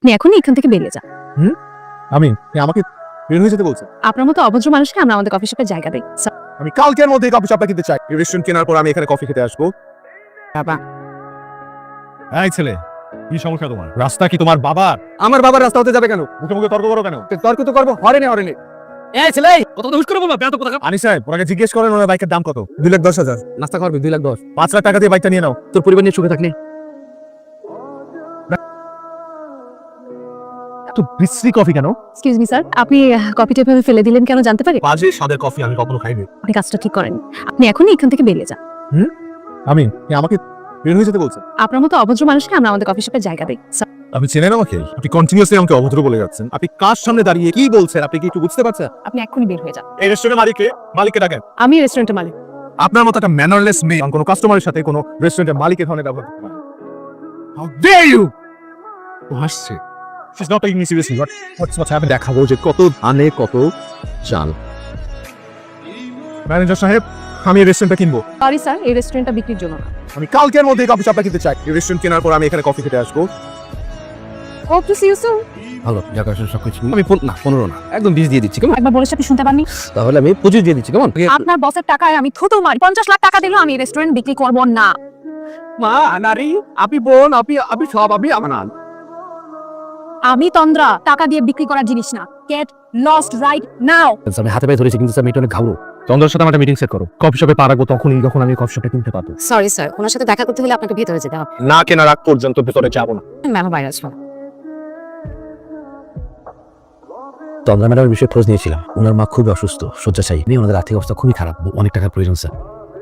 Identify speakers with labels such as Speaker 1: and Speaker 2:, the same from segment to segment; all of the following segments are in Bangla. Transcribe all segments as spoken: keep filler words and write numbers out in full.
Speaker 1: আপনি এখনই এখান থেকে বেরিয়ে যান।
Speaker 2: হুম আমি আমাকে বের হয়ে যেতে বলছেন?
Speaker 1: আপনার মতো অভদ্র মানুষকে আমরা আমাদের কফি শপে জায়গা দিই। স্যার,
Speaker 2: আমি কালকের মধ্যে কফি শপটা কিনতে চাই। এই রেস্টুরেন্ট কেনার পর আমি এখানে কফি খেতে আসবো।
Speaker 1: বাবা,
Speaker 2: এই ছেলে, কি সমস্যা তোমার? রাস্তা কি তোমার বাবার? আমার বাবার রাস্তা হতে যাবে কেন? মুখে মুখে তর্ক করো কেন? তর্ক তো করবো হরেনে হরেনে।
Speaker 3: এই ছেলে কত দুষ করে বলবা বেয়াদব কথা।
Speaker 2: আনি সাহেব, ওনাকে জিজ্ঞেস করেন ওনার বাইকের দাম কত? দুই লাখ দশ হাজার।
Speaker 3: নাস্তা করবি দুই লাখ দশ।
Speaker 2: পাঁচ লাখ টাকা দিয়ে বাইকটা নিয়ে নাও।
Speaker 3: তোর পরিবার নিয়ে সুখে থাকলে
Speaker 2: তো বিশ্রী কফি কেন?
Speaker 1: এক্সকিউজ মি স্যার, আপনি কফিটা এভাবে ফেলে দিলেন কেন জানতে পারি?
Speaker 2: বাজে স্বাদের কফি আমি কখনো খাইনি।
Speaker 1: আপনি কাজটা ঠিক করেন। আপনি এখনই এখান থেকে বেরিয়ে যান।
Speaker 2: হুম আমি আমাকে বের হয়ে যেতে বলছেন?
Speaker 1: আপনার মতো অভদ্র মানুষকে আমরা আমাদের কফি শপে জায়গা দিই। স্যার,
Speaker 2: আপনি চেনেন আমাকে? আপনি কন্টিনিউয়াসলি আমাকে অভদ্র বলে যাচ্ছেন। আপনি কার সামনে দাঁড়িয়ে কি বলছেন আপনি কি একটু বুঝতে পারছেন?
Speaker 1: আপনি এখনই বের হয়ে যান।
Speaker 2: এই রেস্টুরেন্টের মালিককে মালিককে ডাকেন।
Speaker 1: আমি রেস্টুরেন্টের মালিক।
Speaker 2: আপনার মতো একটা ম্যানারলেস মেয়ে কোনো কাস্টমারের সাথে কোনো রেস্টুরেন্টের মালিকের ধরনের ব্যবহার করতে পারে? How dare you! ও হাসছে। She's not taking me seriously. What what's what's happened? দেখাবো যে কত ধানে কত চাল। ম্যানেজার সাহেব, আমি এই রেস্টুরেন্টটা কিনবো।
Speaker 1: সরি স্যার, এই রেস্টুরেন্টটা বিক্রির জন্য না।
Speaker 2: আমি কালকের মধ্যে কফি শপটা কিনতে চাই। এই রেস্টুরেন্ট কেনার পর আমি এখানে কফি খেতে আসবো।
Speaker 1: ও টু সি ইউ সুন।
Speaker 3: ভালো জায়গা সবকিছু আমি পন- না পনেরো না একদম বিশ দিয়ে দিচ্ছি কেমন?
Speaker 1: একবার বলেছে আপনি শুনতে পাননি?
Speaker 3: তাহলে আমি পঁচিশ দিয়ে দিচ্ছি কেমন?
Speaker 1: আপনার বসের টাকায় আমি থুতু মারি। পঞ্চাশ লাখ টাকা দিলেও আমি এই রেস্টুরেন্ট বিক্রি করব না।
Speaker 3: মা নারী আপনি বোন আপনি আপনি সব আপনি আমার না।
Speaker 1: আমি তন্দ্রা, টাকা দিয়ে বিক্রি করার জিনিস না। Get lost right now.
Speaker 3: আমি হাতে পায়ে ধরেছি কিন্তু স্যার মেয়েটা অনেক ঘাবড়ো। চন্দ্রের সাথে আমার মিটিং সেট করো। কফি শপে পা রাখবো তখনই যখন আমি কফি শপে কিনতে পারবো।
Speaker 1: সরি স্যার, ওনার সাথে দেখা করতে হলে আপনাকে ভেতরে যেতে হবে।
Speaker 2: না কেনার আগ পর্যন্ত ভেতরে যাব না।
Speaker 1: ম্যাম বাইরে আসবো।
Speaker 3: চন্দ্রা ম্যাডামের বিষয়ে খোঁজ নিয়েছিলাম। ওনার মা খুবই অসুস্থ, শয্যাশায়ী। নিয়ে ওনাদের আর্থিক অবস্থা খুবই খারাপ, অনেক টাকার প্রয়োজন স্যার।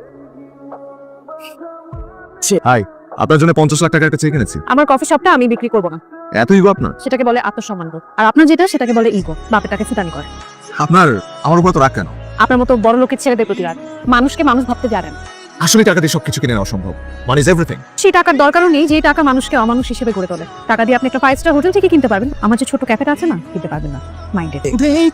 Speaker 2: হাই, আপনার জন্য পঞ্চাশ লাখ টাকা একটা চেক এনেছি।
Speaker 1: আমার কফি শপটা আমি বিক্রি করব না।
Speaker 2: এত ইগো আপনার?
Speaker 1: সেটাকে বলে আত্মসম্মান বোধ। আর আপনার যেটা সেটাকে বলে ইগো। বাপের টাকা ফুটানি করে।
Speaker 2: আপনার আমার উপর তো রাগ কেন?
Speaker 1: আপনার মতো বড় লোকের ছেলেদের প্রতি রাগ। মানুষকে মানুষ ভাবতে জানেন।
Speaker 2: আসলে টাকা দিয়ে সবকিছু কিনে নেওয়া সম্ভব। Money is everything.
Speaker 1: সেই টাকার দরকারও নেই যে টাকা মানুষকে অমানুষ হিসেবে গড়ে তোলে। টাকা দিয়ে আপনি একটা ফাইভ স্টার হোটেল থেকে কিনতে পারবেন। আমার যে ছোট ক্যাফেটা আছে না, কিনতে পারবেন না। মাইন্ডেড।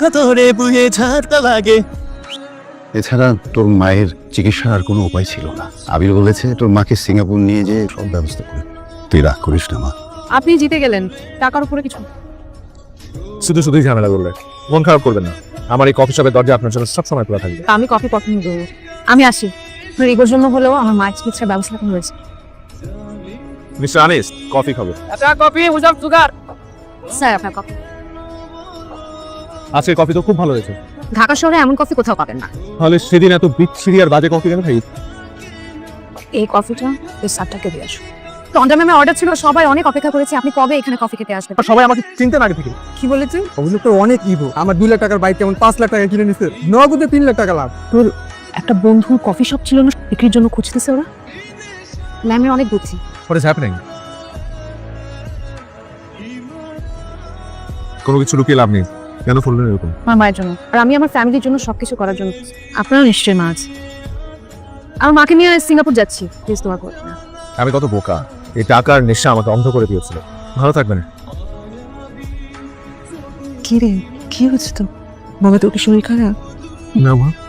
Speaker 4: এছাড়া তোর মায়ের চিকিৎসার আর কোনো উপায় ছিল না। আবির বলেছে তোর মাকে সিঙ্গাপুর নিয়ে যেয়ে সব ব্যবস্থা করে। তুই রাগ করিস না মা।
Speaker 1: আপনি জিতে গেলেন, টাকার উপরে কিছু।
Speaker 2: শুধু শুধুই ঝামেলা করলে মন খারাপ করবেন না। আমার এই কফি শপের দরজা আপনার জন্য সবসময় খোলা থাকবে।
Speaker 1: আমি কফি পছন্দ করব। আমি আসি। আপনার ইগোর জন্য হলেও আমার মায়ের চিকিৎসার ব্যবস্থা এখন রয়েছে।
Speaker 2: মিস্টার আনিস, কফি খাবে?
Speaker 3: আচ্ছা কফি উইদাউট সুগার।
Speaker 1: স্যার, আপনার কফি।
Speaker 2: আজকে কফি তো খুব ভালো হয়েছে।
Speaker 1: ঢাকা শহরে এমন কফি কোথাও পাবেন না।
Speaker 2: তাহলে সেদিন এত বিচ্ছিরি আর বাজে কফি কেন খাই?
Speaker 1: এই কফিটা এই সাতটাকে দিয়ে আসুন। তন্দ্রা ম্যামের অর্ডার ছিল, সবাই অনেক অপেক্ষা করেছে। আপনি কবে এখানে কফি খেতে আসবেন?
Speaker 2: সবাই আমাকে চিনতেন আগে থেকে।
Speaker 1: কি বলেছেন?
Speaker 5: অভিযোগটা অনেক ইভো। আমার দুই লাখ টাকার বাইক কেমন পাঁচ লাখ টাকা কিনে নিচ্ছে, নগদে তিন লাখ টাকা লাভ।
Speaker 1: তোর একটা বন্ধু কফি শপ ছিল না, বিক্রির জন্য খুঁজতেছে ওরা। ম্যামের অনেক বুদ্ধি।
Speaker 2: What is happening? কোনো কিছু লুকিয়ে লাভ নেই। কেন ফুললেন এরকম?
Speaker 1: আমার মায়ের জন্য, আর আমি আমার ফ্যামিলির জন্য সবকিছু করার জন্য। আপনারও নিশ্চয়ই মা আছে। আমার মাকে নিয়ে সিঙ্গাপুর যাচ্ছি। প্লিজ তোমার করবে না।
Speaker 2: আমি কত বোকা! এই টাকার নেশা আমাকে অন্ধ করে দিয়েছিল। ভালো থাকবেন।
Speaker 5: কি রে, কি হচ্ছে তো? বাবা তোর কি শরীর খারাপ?
Speaker 2: না মা,